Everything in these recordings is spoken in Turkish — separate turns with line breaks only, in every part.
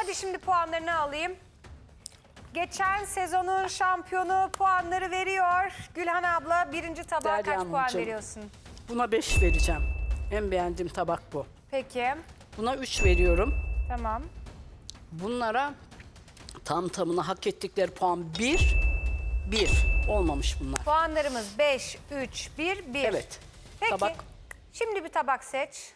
Hadi şimdi puanlarını alayım. Geçen sezonun şampiyonu puanları veriyor. Gülhan abla birinci tabağa
Derya
kaç puan
Hanımcığım.
veriyorsun?
Buna 5 vereceğim. En beğendiğim tabak bu.
Peki.
Buna 3 veriyorum.
Tamam.
Bunlara tam tamına hak ettikleri puan 1. Olmamış bunlar.
Puanlarımız 5, 3, 1, 1.
Evet.
Peki.
Tabak.
Şimdi bir tabak seç.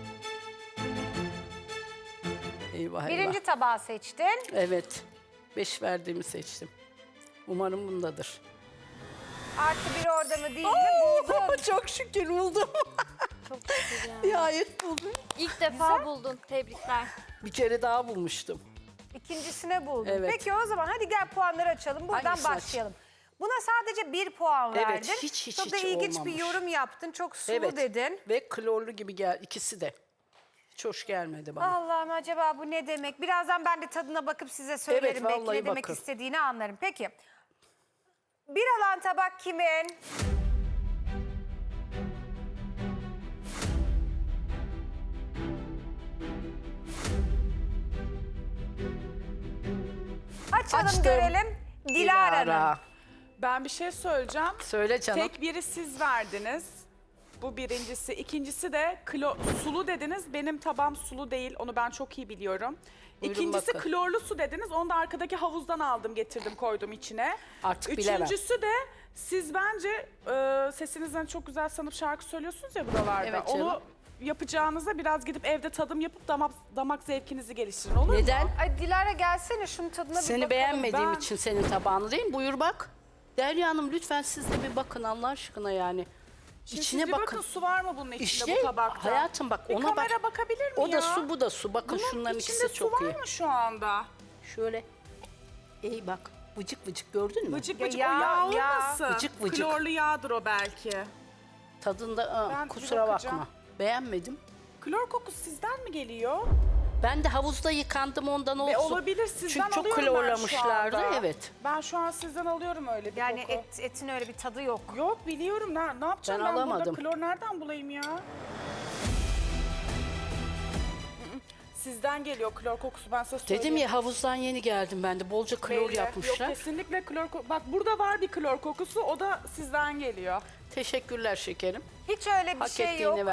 Eyvah
Birinci
eyvah.
tabağı seçtin.
Evet. 5 verdiğimi seçtim. Umarım bundadır.
Artı bir orada mı değil mi? Buldum.
Çok şükür buldum.
Çok şükür ya.
Nihayet buldum.
İlk defa buldun. Tebrikler.
Bir kere daha bulmuştum.
İkincisine buldum.
Evet.
Peki o zaman hadi gel puanları açalım. Buradan
Hangisini
başlayalım. Buna sadece 1 puan
Evet,
verdin.
hiç
Çok da ilginç
olmamış.
bir yorum yaptın. Çok sulu
Evet.
dedin.
Ve klorlu gibi gel ikisi de. Hiç hoş gelmedi bana.
Allah'ım acaba bu ne demek? Birazdan ben de tadına bakıp size söylerim. Belki
vallahi
ne demek
bakın.
istediğini anlarım. Peki. Bir alan tabak kimin? Açalım
Açtım.
görelim. Dilara'nın.
Ben bir şey söyleyeceğim.
Söyle canım.
Tek biri siz verdiniz. Bu birincisi. İkincisi de sulu dediniz. Benim tabağım sulu değil. Onu ben çok iyi biliyorum.
Buyurun
İkincisi
bakın.
klorlu su dediniz. Onu da arkadaki havuzdan aldım, getirdim, koydum içine.
Artık bilemem.
Üçüncüsü de siz bence sesinizden çok güzel sanıp şarkı söylüyorsunuz ya buralarda.
Evet canım.
Onu yapacağınıza biraz gidip evde tadım yapıp damak zevkinizi geliştirin, olur mu?
Neden?
Ay Dilara gelsene şunun tadına bir
Seni
bakalım.
beğenmediğim
ben.
için senin tabağını değil mi? Buyur bak. Derya Hanım lütfen siz de bir bakın Allah aşkına yani.
Şimdi
İçine
siz bir
bakın.
bakın, su var mı bunun içinde,
İşte
bu tabakta?
hayatım bak
Bir
ona bak.
kamera bakabilir mi
O
ya?
da su bu da su. Bakın
Bunun
şunların
içinde
ikisi
su
çok iyi.
var mı şu anda?
Şöyle. Ey bak vıcık vıcık gördün mü?
Vıcık
Ya
vıcık,
yağ,
o yağ
yağ.
olmasın?
Vıcık vıcık.
Klorlu yağdır o belki.
Tadında
Ben bir
kusura
bakacağım.
bakma. Beğenmedim.
Klor kokusu sizden mi geliyor?
Ben de havuzda yıkandım ondan olsun.
Olabilir, sizden
Çünkü çok
alıyorum ben şu
klorlamışlardı
anda.
evet.
Ben şu an sizden alıyorum öyle bir
Yani
koku.
etin öyle bir tadı yok.
Yok biliyorum, ne yapacağım
Ben
ben,
alamadım.
burada? Klor nereden bulayım ya? Sizden geliyor klor kokusu, ben size söyleyeyim.
Dedim ya havuzdan yeni geldim ben de bolca klor
Belli.
yapmışlar.
Yok kesinlikle klor kokusu. Bak burada var bir klor kokusu, o da sizden geliyor.
Teşekkürler şekerim.
Hiç öyle bir
Hak
şey
ettiğini
yok.
ver.